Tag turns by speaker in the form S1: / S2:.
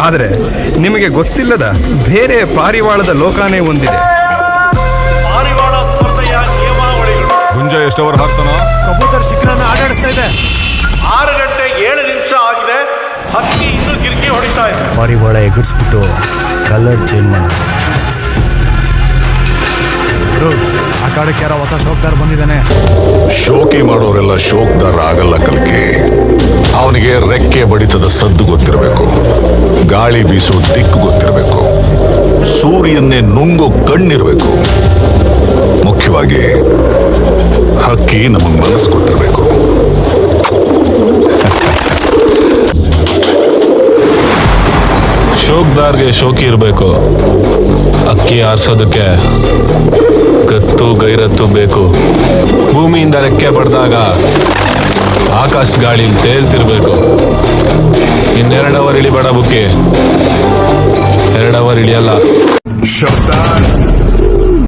S1: ಆದರೆ ನಿಮಗೆ ಗೊತ್ತಿಲ್ಲದ ಬೇರೆ ಪಾರಿವಾಳದ ಲೋಕನೇ ಒಂದಿದೆ.
S2: ಪಾರಿವಾಳ ಸ್ಪರ್ಧೆಯ ನಿಯಮಾವಳಿಗಳು.
S3: ಗುಂಜ ಎಷ್ಟು ಓವರ್ ಹಾಕ್ತಾನೋ?
S4: ಕಬೂತರ್ ಶಿಖರನ ಆಟಾಡಿಸ್ತಾ ಇದೆ.
S2: 6 ಗಂಟೆ 7 ನಿಮಿಷ ಆಗಿದೆ. ಹಕ್ಕಿ ಇನ್ನೂ ಗಿರ್ಕಿ ಹೊಡಿತಾ ಇದೆ.
S4: ಪಾರಿವಾಳ ಎಗರ್ಸ್ಬಿಟ್ಟು ಕಲರ್ ಚೇಂಜ್ ಮಾಡ. ಆಟಾಡಕ್ಕೆ ಯಾರೋ ಹೊಸ ಶೋಕ್ದಾರ್ ಬಂದಿದ್ದಾನೆ.
S5: ಶೋಕಿ ಮಾಡೋರೆಲ್ಲ ಶೋಕ್ದಾರ ಆಗಲ್ಲ ಕಲ್ಕೆ. ಅವನಿಗೆ ರೆಕ್ಕೆ ಬಡಿತದ ಸದ್ದು ಗೊತ್ತಿರಬೇಕು, ಗಾಳಿ ಬೀಸೋ ದಿಕ್ಕು ಗೊತ್ತಿರಬೇಕು, ಸೂರ್ಯನ್ನೇ ನುಂಗೋ ಕಣ್ಣಿರ್ಬೇಕು, ಮುಖ್ಯವಾಗಿ ಹಕ್ಕಿ ನಮಗ್ ಮನಸ್ಸು ಕೊಟ್ಟಿರ್ಬೇಕು.
S6: ಶೋಕ್ದಾರ್ಗೆ ಶೋಕಿ ಇರಬೇಕು. ಅಕ್ಕಿ ಆರಿಸೋದಕ್ಕೆ ಗತ್ತು ಗೈರತ್ತು ಬೇಕು. ಭೂಮಿಯಿಂದ ರೆಕ್ಕೆ ಬಡ್ದಾಗ ಆಕಾಶ ಗಾಳಿ ತೇಲ್ತಿರ್ಬೇಕು. 2 ಅವರ್ ಇಳಿಬೇಡ ಬುಕ್ಕಿ, 2 ಅವರ್ ಇಳಿಯಲ್ಲ.
S1: ಶಬ್ದ